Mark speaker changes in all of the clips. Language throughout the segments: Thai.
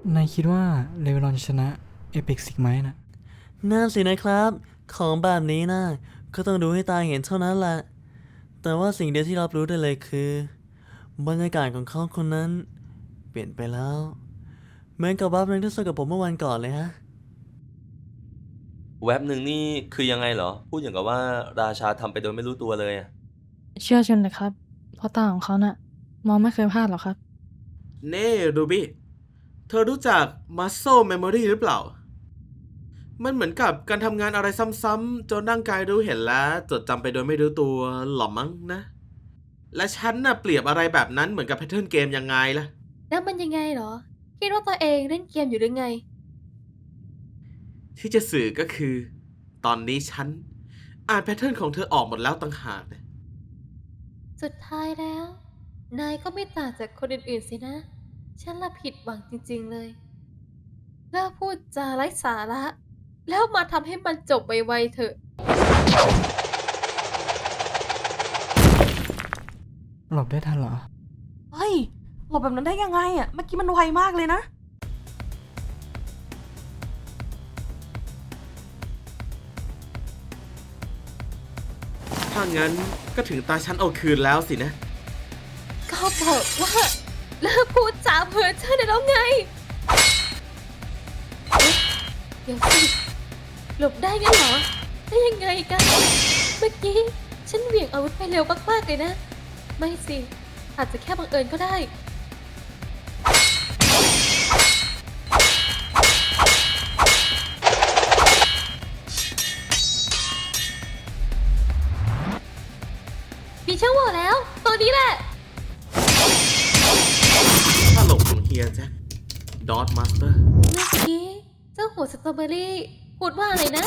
Speaker 1: นายคิดว่าเลเวลอนชนะเอพิกซิกไหมนะ
Speaker 2: น่าสินะครับของแบบนี้นะก็ต้องดูให้ตาเห็นเท่านั้นแหละแต่ว่าสิ่งเดียวที่รับรู้ได้เลยคือบรรยากาศของเขาคนนั้นเปลี่ยนไปแล้วเหมือนกับบัฟนึงที่สกับผมเมื่อวันก่อนเลยฮะ
Speaker 3: แว็บหนึ่งนี่คือยังไงเหรอ พูดอย่างกับว่าราชาทำไปโดยไม่รู้ตัวเลยอะ
Speaker 4: เชื่อฉันเลยครับ เพราะตาของเขาน่ะมองไม่เคยพลาดหรอกครับ
Speaker 5: เน่รูบี้เธอรู้จัก Muscle Memory หรือเปล่า มันเหมือนกับการทำงานอะไรซ้ำๆจนร่างกายรู้เห็นแล้วจดจำไปโดยไม่รู้ตัวหรอมั้งนะ และฉันน่ะเปรียบอะไรแบบนั้นเหมือนกับแพทเทิร์นเกมยังไงล่ะ
Speaker 6: แล้วมันยังไงเหรอ คิดว่าตัวเองเล่นเกมอยู่หรือไง
Speaker 5: ที่จะสื่อก็คือ ตอนนี้ฉันอ่านแพทเทิร์นของเธอออกหมดแล้วต่างหากนะ
Speaker 6: สุดท้ายแล้ว นายก็ไม่ต่างจากคนอื่นๆสินะ ฉันละผิดหวังจริงๆเลยเลิกพูดจาไร้สาระ แล้วมาทำให้มันจบไวๆเถอะ
Speaker 1: หลบได้ทันเหรอ
Speaker 7: เฮ้ยหลบแบบนั้นได้ยังไงอ่ะ เมื่อกี้มันไวมากเลยนะ
Speaker 5: ถ้างั้นก็ถึงตาฉันเอาคืนแล้วสินะ
Speaker 6: ก็บอกว่าเลิกพูดจาเพ้อเจ้อได้แล้วไงเอ๊ะเดี๋ยวสิหลบได้งั้นเหรอ ได้ยังไงกัน เมื่อกี้ฉันเหวี่ยงอาวุธไปเร็วมากๆเลยนะ ไม่สิ อาจจะแค่บังเอิญก็ได้ มีช่องโหว่แล้ว ตัวนี้แหละ
Speaker 5: ถ้าหลบของเฮียแจ็คดอทมาสเตอร์
Speaker 6: เมื่อกี้เจ้าหัวสตรอเบอรี่พูดว่าอะไรนะ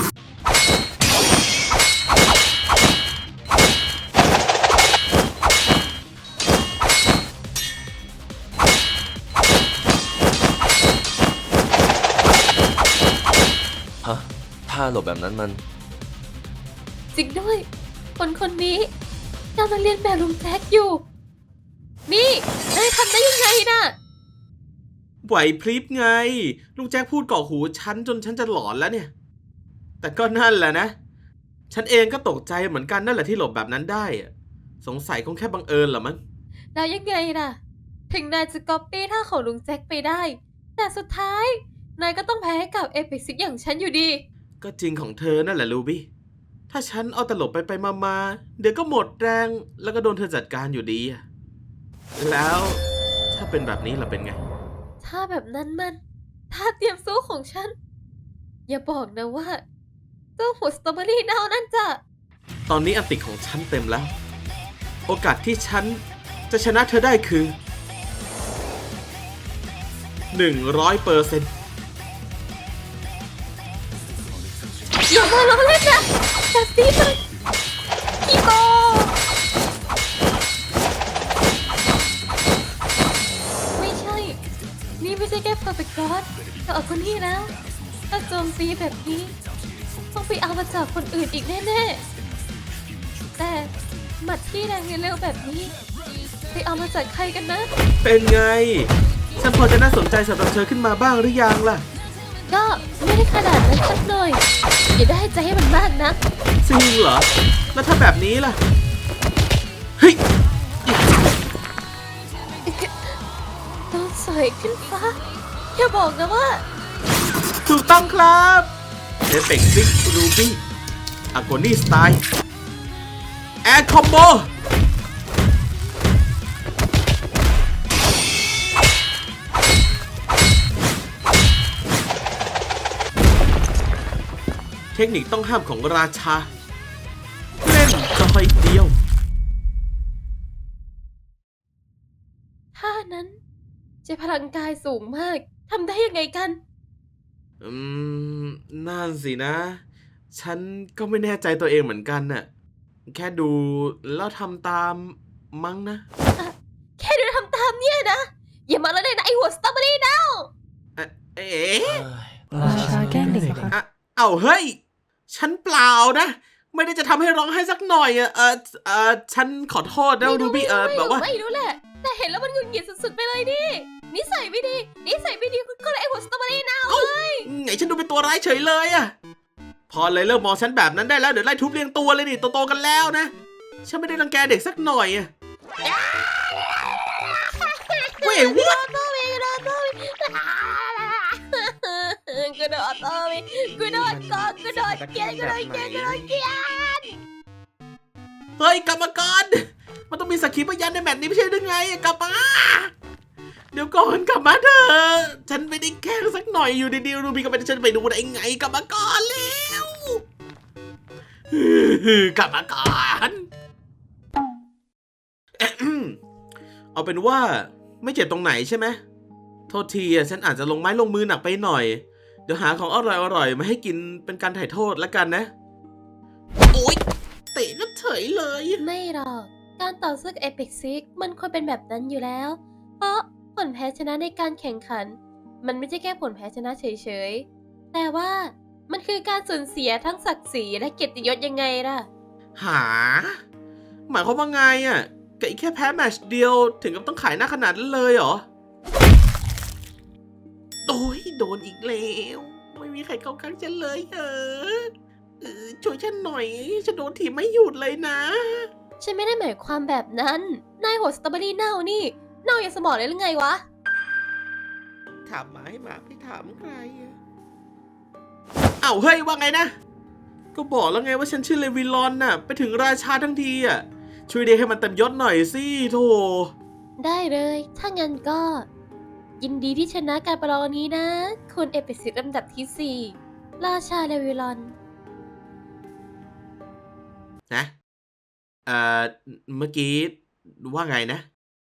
Speaker 3: ฮะ ถ้าหลบแบบนั้นมัน
Speaker 6: จริงด้วย คนคนนี้กำลังเรียนแบบลุงแจ็คอยู่ นี่นายทำได้ยังไงน่ะ
Speaker 5: ไหวพริบไง ลูกแจ็คพูดก่อหูฉันจนฉันจะหลอนแล้วเนี่ย แต่ก็นั่นแหละนะ ฉันเองก็ตกใจเหมือนกันนั่นแหละที่หลบแบบนั้นได้อะสงสัยคงแค่บังเอิญเหรอมั้ง
Speaker 6: แล้วยังไงล่ะ ถึงนายจะก๊อปปี้ท่าของลุงแจ็คไปได้ แต่สุดท้าย นายก็ต้องแพ้ให้กับเอพิกซิกอย่างฉันอยู่ดี
Speaker 5: ก็จริงของเธอนั่นแหละลูบี้ ถ้าฉันเอาตลบไปมาเดี๋ยวก็หมดแรงแล้วก็โดนเธอจัดการอยู่ดีอะแล้วถ้าเป็นแบบนี้ล่ะเป็นไง
Speaker 6: ถ้าแบบนั้นมันท่าเตรียมสู้ของฉัน อย่าบอกนะว่าเจ้าหัวสตรอเบอรี่เน่านั่นจะ
Speaker 5: ตอนนี้อันติของฉันเต็มแล้ว โอกาสที่ฉันจะชนะเธอได้คือ100%
Speaker 6: อย่ามาล้อเล่นนะแต่ซีมันอีโกไม่ใช่ นี่ไม่ใช่แค่เพอร์เฟกต์กอดแต่เอาคนนี้แล้ว ถ้าโจมตีแบบนี้ต้องไปเอามาจากคนอื่นอีกแน่ๆ แต่หมัดที่แรงเร็วแบบนี้ ไปเอามาจากใครกันนะ
Speaker 5: เป็นไง ฉันพอจะน่าสนใจสำหรับเธอขึ้นมาบ้างหรือยังล่ะ
Speaker 6: ก็ไม่ได้ขนาดนั้นสักหน่อย อย่าได้ใจให้มันมากนะ
Speaker 5: จริงเหรอ แล้วถ้าแบบนี้ล่ะ เฮ้ย
Speaker 6: โดนสอยขึ้นฟ้า อย่าบอกนะว่า
Speaker 5: ถูกต้องครับเอฟเฟกซิกรูบี้อากนี่สไตล์แอร์คอมโบเทคนิคต้องห้ามของราชา เล่นจอยเดียว
Speaker 6: ท่านั้นใช้พลังกายสูงมาก ทำได้ยังไงกัน
Speaker 5: อืมนั่นสินะ ฉันก็ไม่แน่ใจตัวเองเหมือนกันน่ะ แค่ดูแล้วทำตามมั้งนะ
Speaker 6: แค่เดินทำตามเนี่ยนะ อย่ามาแล้วเลยนะไอหัวสตรอเบอรี่เน่า
Speaker 5: เอ๊ะ
Speaker 1: ราชาแกล้งเด็กเหรอ
Speaker 5: เอ้าเฮ้ย ฉันเปล่านะ ไม่ได้จะทำให้ร้องไห้สักหน่อยอะฉันขอโทษนะรูบี้แบบว่า
Speaker 6: ไม่รู้แหละ แต่เห็นแล้วมันหงุดหงิดสุดๆไปเลยดินิสัยไม่ดีก็เลยไอ้หัวสตรอเบอรี่เน่า
Speaker 5: ไงฉันดูเป็นตัวร้ายเฉยเลยอะพอเลยเลิกมองฉันแบบนั้นได้แล้วเดี๋ยวไล่ทุบเรียงตัวเลยดิโตๆกันแล้วนะฉันไม่ได้รังแกเด็กสักหน่อยอะเว้ยวัด
Speaker 6: กระโดดโต้ไปกระโดดกอกกระโดดเกลียด
Speaker 5: เฮ้ยกรรมการมันต้องมีสักขีพยานในแมตช์นี้ไม่ใช่หรือไงกลับมาเดี๋ยวก่อนกลับมาเถอะฉันไม่ได้แกล้งสักหน่อยอยู่ดีๆรูบี้ก็ไม่ได้ฉันไปดูได้ไงกลับมาก่อนแล้วกลับมาก่อนเอาเป็นว่าไม่เจ็บตรงไหนใช่ไหมโทษทีฉันอาจจะลงไม้ลงมือหนักไปหน่อยเดี๋ยวหาของอร่อยๆมาให้กินเป็นการถ่ายโทษแล้วกันนะโอ๊ยเตะก็เฉยเลย
Speaker 6: ไม่หรอกการต่อสู้กับเอพิกซิกมันควรเป็นแบบนั้นอยู่แล้ว เพราะผลแพ้ชนะในการแข่งขัน มันไม่ใช่แค่ผลแพ้ชนะเฉยๆแต่ว่ามันคือการสูญเสียทั้งศักดิ์ศรีและเกียรติยศยังไงล่ะ
Speaker 5: หาหมายความว่าไงอ่ะกับอีกแค่แพ้แมตช์เดียวถึงกับต้องขายหน้าขนาดนั้นเลยเหรอโอ้ยโดนอีกแล้วไม่มีใครเข้าข้างฉันเลยช่วยฉันหน่อยฉันโดนถีบไม่หยุดเลยนะ
Speaker 6: ฉันไม่ได้หมายความแบบนั้น นายหัวสตรอเบอรี่เน่านี่ เน่าอย่างสมองเลยหรือไงวะ
Speaker 5: ถามหมาให้หมาไม่ถามใครอะอ้าวเฮ้ยว่าไงนะก็บอกแล้วไงว่าฉันชื่อเลวิลอนน่ะไปถึงราชาทั้งทีอ่ะช่วยเรียกให้มันเต็มยศหน่อยสิโธ่
Speaker 6: ได้เลย ถ้างั้นก็ ยินดีที่ชนะการประลองนี้นะ คุณเอพิกซิกลำดับที่ 4 ราชาเลวิลอน
Speaker 5: นะเมื่อกี้ว่าไงนะ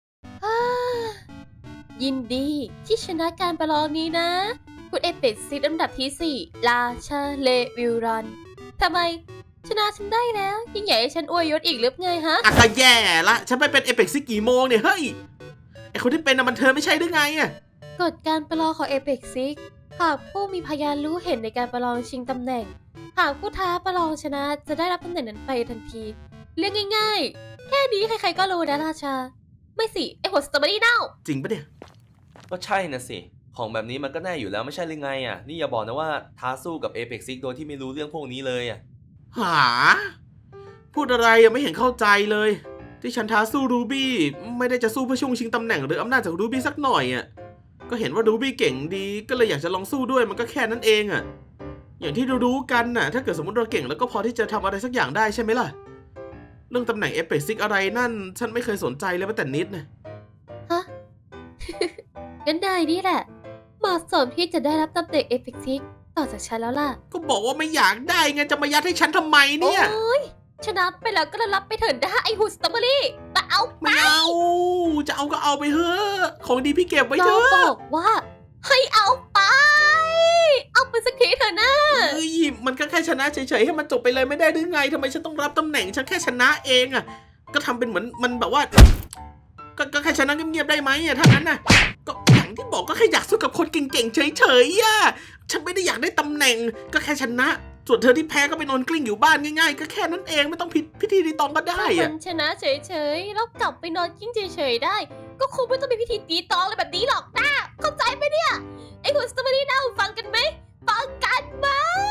Speaker 6: ยินดีที่ชนะการประลองนี้นะ คุณเอพิกซิกลำดับที่ 4 ราชาเลวิลอนทำไม ชนะฉันได้แล้วยิ่งใหญ่ให้ฉันอวยยศอีกหรือไงฮะ
Speaker 5: อ่ะก็แย่ละฉันไปเป็นเอเปกซิกกี่โมงเนี่ยเฮ้ยไอคนที่เป็นน่ะมันเธอไม่ใช่หรือไงอะ
Speaker 6: กฎการประลองของเอ e ป 6 หากผู้มีพยานรู้เห็นในการประลองชิงตำแหน่ง หากผู้ท้าประลองชนะจะได้รับตำแหน่งนั้นไปทันที เรื่องง่ายๆ แค่นี้ใครๆก็รู้นะราชา ไม่สิ ไอหัวสตรอเบอรี่เน่า
Speaker 5: จริงปะเนี่ย
Speaker 3: ก็ใช่นะสิ ของแบบนี้มันก็แน่อยู่แล้วไม่ใช่หรือไงอ่ะ นี่อย่าบอกนะว่าท้าสู้กับ Apex Six โดยที่ไม่รู้เรื่องพวกนี้เลยอ่ะ
Speaker 5: หาพูดอะไรยังไม่เห็นเข้าใจเลย ที่ฉันท้าสู้รูบี้ไม่ได้จะสู้เพื่อช่วงชิงตำแหน่งหรืออำนาจจากรูบี้สักหน่อยอ่ะก็เห็นว่ารูบี้เก่งดีก็เลยอยากจะลองสู้ด้วยมันก็แค่นั้นเองอ่ะอย่างที่รู้ๆกันน่ะถ้าเกิดสมมติเราเก่งแล้วก็พอที่จะทำอะไรสักอย่างได้ใช่ไหมล่ะเรื่องตำแหน่งเอเปซิกอะไรนั่นฉันไม่เคยสนใจเลยแม้แต่นิดนะ
Speaker 6: ฮะ งั้นนายนี่แหละเหมาะสมที่จะได้รับตำแหน่งเอ e ป 6 ต่อจากฉันแล้วล่ะ
Speaker 5: ก็บอกว่าไม่อยากได้ไงจะมายัดให้ฉันทำไมเนี่ย
Speaker 6: โอ๊ยชนะไปแล้วก็รับไปเถิดนะไอหัวสตรอเบอรี่มาเอาไป
Speaker 5: ไม่เอาจะเอาก็เอาไปเถอะของดีพี่เก็บไว้
Speaker 6: เรา
Speaker 5: เถอะ
Speaker 6: บอกว่า ให้เอาไป เอาไปสักทีเถอะนะ
Speaker 5: เฮ้ยมันก็แค่ชนะเฉยๆให้มันจบไปเลยไม่ได้หรือไงทำไมฉันต้องรับตำแหน่งฉันแค่ชนะเองอ่ะก็ทำเป็นเหมือนมันแบบว่าก็แค่ชนะเงียบๆได้ไหมอ่ะถ้างั้นน่ะก็อย่างที่บอกก็แค่อยากสู้กับคนเก่งๆเฉยๆอ่ะฉันไม่ได้อยากได้ตำแหน่งก็แค่ชนะส่วนเธอที่แพ้ก็ไปนอนกลิ้งอยู่บ้านง่ายๆก็แค่นั้นเองไม่ต้องผิดพิธีรีตองก็ได้
Speaker 6: ถ้า
Speaker 5: อ่ะ
Speaker 6: มันชนะเฉยๆ แล้วกลับไปนอนกิ้งเฉยๆได้ ก็คงไม่ต้องมีพิธีตีตองอะไรแบบนี้หรอกนะเข้าใจไหมเนี่ย ไอ้หัวสตรอเบอรี่น่าฟังกันไหม ฟังกันไหม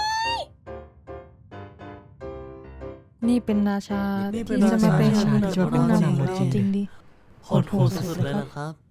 Speaker 4: นี่เป็นราชา
Speaker 2: นี่เป็น
Speaker 4: ที่จะมาเป็น
Speaker 2: ราชา
Speaker 4: ผู้นำของเราจริงดิ
Speaker 2: โหดสุดๆเลยนะครับ